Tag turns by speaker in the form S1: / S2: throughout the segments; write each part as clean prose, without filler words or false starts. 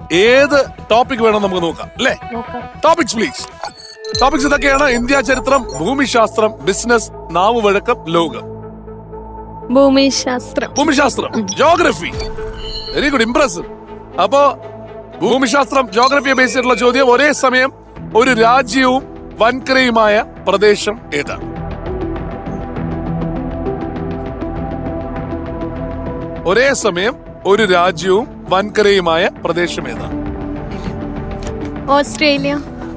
S1: ഏത് ടോപ്പിക് വേണം നമുക്ക് നോക്കാം അല്ലേ? Topics please. ടോപ്പിക്സ് ഇതൊക്കെയാണ്: ഇന്ത്യ ചരിത്രം, ഭൂമിശാസ്ത്രം, ബിസിനസ്, നാവുവഴക്കം, ലോകം. ഭൂമിശാസ്ത്രം, ജോഗ്രഫി. Very good, impressive. അപ്പോ ഭൂമിശാസ്ത്രം, ജോഗ്രഫിയെ ബേസ് ചെയ്തിട്ടുള്ള ചോദ്യം: ഒരേ സമയം ഒരു രാജ്യവും വൻകരയുമായ പ്രദേശം ഏതാണ്? ഒരേ സമയം ഒരു രാജ്യവും വൻകരയുമായ പ്രദേശം ഏതാണ്?
S2: ഓസ്ട്രേലിയ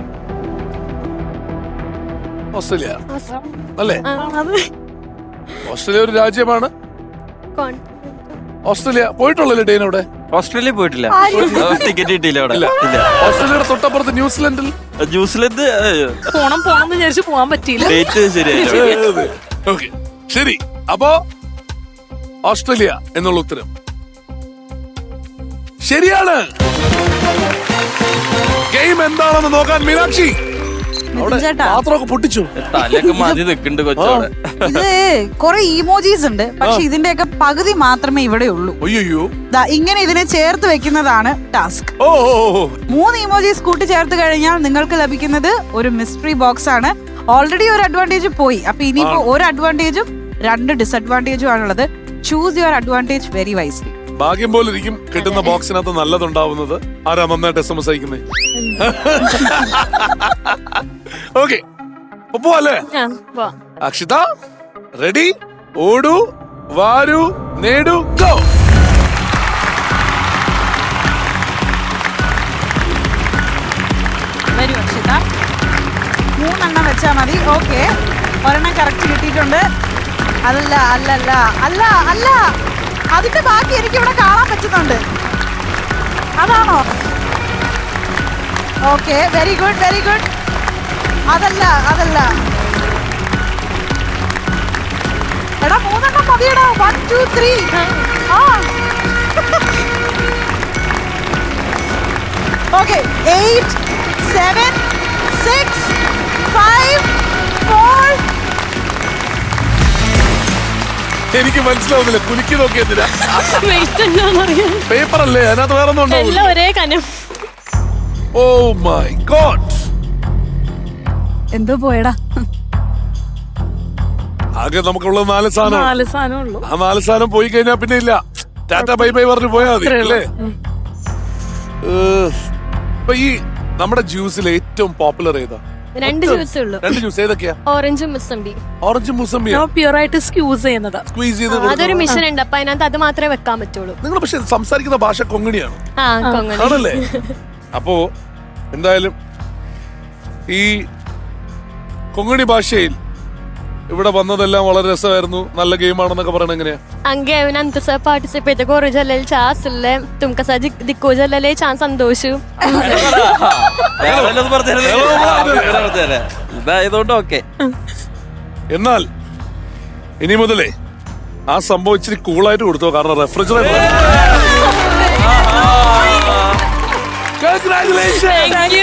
S1: അല്ലേ? ഓസ്ട്രേലിയ ഒരു രാജ്യമാണ്. ഓസ്ട്രേലിയ പോയിട്ടുള്ളല്ലേ ഡെയിൻ? അവിടെ
S3: ഓസ്ട്രേലിയ പോയിട്ടില്ല, ടിക്കറ്റ് കിട്ടിയില്ല അവിടെ.
S1: ഓസ്ട്രേലിയയുടെ തൊട്ടപ്പുറത്ത് ന്യൂസിലൻഡിൽ
S4: പോണം വിചാരിച്ചു പോവാൻ പറ്റിയില്ല.
S3: ഡേറ്റ് ശരിയായില്ല.
S1: ഓക്കെ, ശരി. അപ്പോ ഓസ്ട്രേലിയ എന്നുള്ള ഉത്തരം ശരിയാണ്. ഗെയിം എന്താണെന്ന് നോക്കാൻ മീനാക്ഷി പാത്രമൊക്കെ പൊട്ടിച്ചു.
S3: തലയൊക്കെ മതി നിൽക്കുന്നുണ്ട് കൊച്ചോടെ.
S5: ഇത് കുറെ ഇമോജീസ് ഉണ്ട്, പക്ഷെ ഇതിന്റെയൊക്കെ പകുതി മാത്രമേ ഇവിടെ ഉള്ളൂ.
S1: അയ്യോ,
S5: ഇങ്ങനെ ഇതിനെ ചേർത്ത് വെക്കുന്നതാണ് ടാസ്ക്. 3 ഇമോജീസ് കൂട്ടി ചേർത്ത് കഴിഞ്ഞാൽ നിങ്ങൾക്ക് ലഭിക്കുന്നത് ഒരു മിസ്റ്ററി ബോക്സ് ആണ്. ഓൾറെഡി ഒരു അഡ്വാൻറ്റേജ് പോയി, അപ്പൊ ഇനിയിപ്പോ ഒരു അഡ്വാൻറ്റേജും 2 ഡിസഡ്വാൻറ്റേജും ആണുള്ളത്. Choose your advantage very wisely.
S1: ഭാഗ്യം പോലെ ഇരിക്കും കിട്ടുന്ന ബോക്സിനകത്ത് നല്ലതുണ്ടാവുന്നത്. ആരാ നന്നായിട്ട് SMS അയക്കുന്നത്? ഓക്കെ, പോവാല്ലേ? അക്ഷിത റെഡി? ഓടൂ, വാരൂ, നേടൂ, ഗോ.
S5: വരൂ അക്ഷിത, 3 എണ്ണം വെച്ചാ മതി. ഓക്കെ, ഒരെണ്ണം കറക്റ്റ് കിട്ടിയിട്ടുണ്ട്. അല്ല അല്ല അല്ല അല്ല അല്ല, അതിന്റെ ബാക്കി എനിക്ക് ഇവിടെ കാണാൻ പറ്റുന്നുണ്ട്. അതാണോ? Okay, very good very good. അതല്ല അതല്ല, എടാ 3 എണ്ണം മതിയടാ. 1 2 3. ഓക്കെ, 8 7 6 5 4.
S1: എനിക്ക് മനസ്സിലാവുന്നില്ല, കുലുക്കി നോക്കിയതിനാ. പേപ്പർ അല്ലേ അതിനകത്ത്? വേറെ ഒന്നും ഉണ്ടോ?
S2: ഒരേ കനം.
S1: ഓ മൈ ഗോഡ്,
S5: എന്തോ പോയടാ. ആകെ
S1: നമുക്കുള്ള 4 സാധനം. ആ 4 സാധനം പോയി കഴിഞ്ഞാൽ പിന്നെ ഇല്ല. ടാറ്റ ബൈ ബൈ പറഞ്ഞു പോയാൽ മതി അല്ലേ? ഇപ്പൊ ഈ നമ്മുടെ ജ്യൂസിൽ ഏറ്റവും പോപ്പുലർ ഏതാ?
S2: 2 ജ്യൂസ് ഉള്ളൂ.
S1: 2 ജ്യൂസ് ഏതൊക്കെയാ?
S2: ഓറഞ്ചും മുസംബി.
S1: ഓറഞ്ചും മുസംബി
S4: പ്യൂർ ആയിട്ട് സ്ക്യൂസ് ചെയ്യുന്നതാ.
S1: സ്ക്വീസ് ചെയ്ത്
S2: അതൊരു മിഷൻ ഉണ്ട്, അപ്പൊ അതിനകത്ത് അത് മാത്രമേ വെക്കാൻ പറ്റുള്ളൂ.
S1: നിങ്ങൾ പക്ഷെ സംസാരിക്കുന്ന ഭാഷ കൊങ്ങിണിയാണ്
S2: കൊങ്ങണി
S1: ആണല്ലേ? അപ്പോ എന്തായാലും ഈ കൊങ്ങിണി ഭാഷയിൽ ഇവിടെ വന്നതെല്ലാം വളരെ രസമായിരുന്നു. നല്ല ഗെയിമാണെന്നൊക്കെ പറയണ എങ്ങനെയാ?
S2: अंगे नंतर सर पार्टिसिपेट करू झालेले चान्स ले तुमका सा दिक्को झालेले चान्स संतोष
S1: എന്നാൽ ഇനി മുതലേ ആ സംഭവം ഇച്ചിരി കൂളായിട്ട് കൊടുത്തോ, കാരണം റെഫ്രിജറേറ്റർ.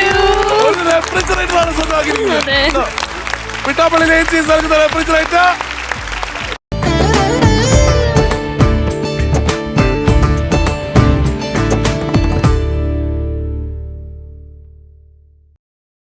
S1: റെഫ്രിജറേറ്റർ ആണ് സ്വന്തമാക്കിയിരിക്കുന്നത്. പിട്ടാപ്പള്ളി റെഫ്രിജറേറ്റർ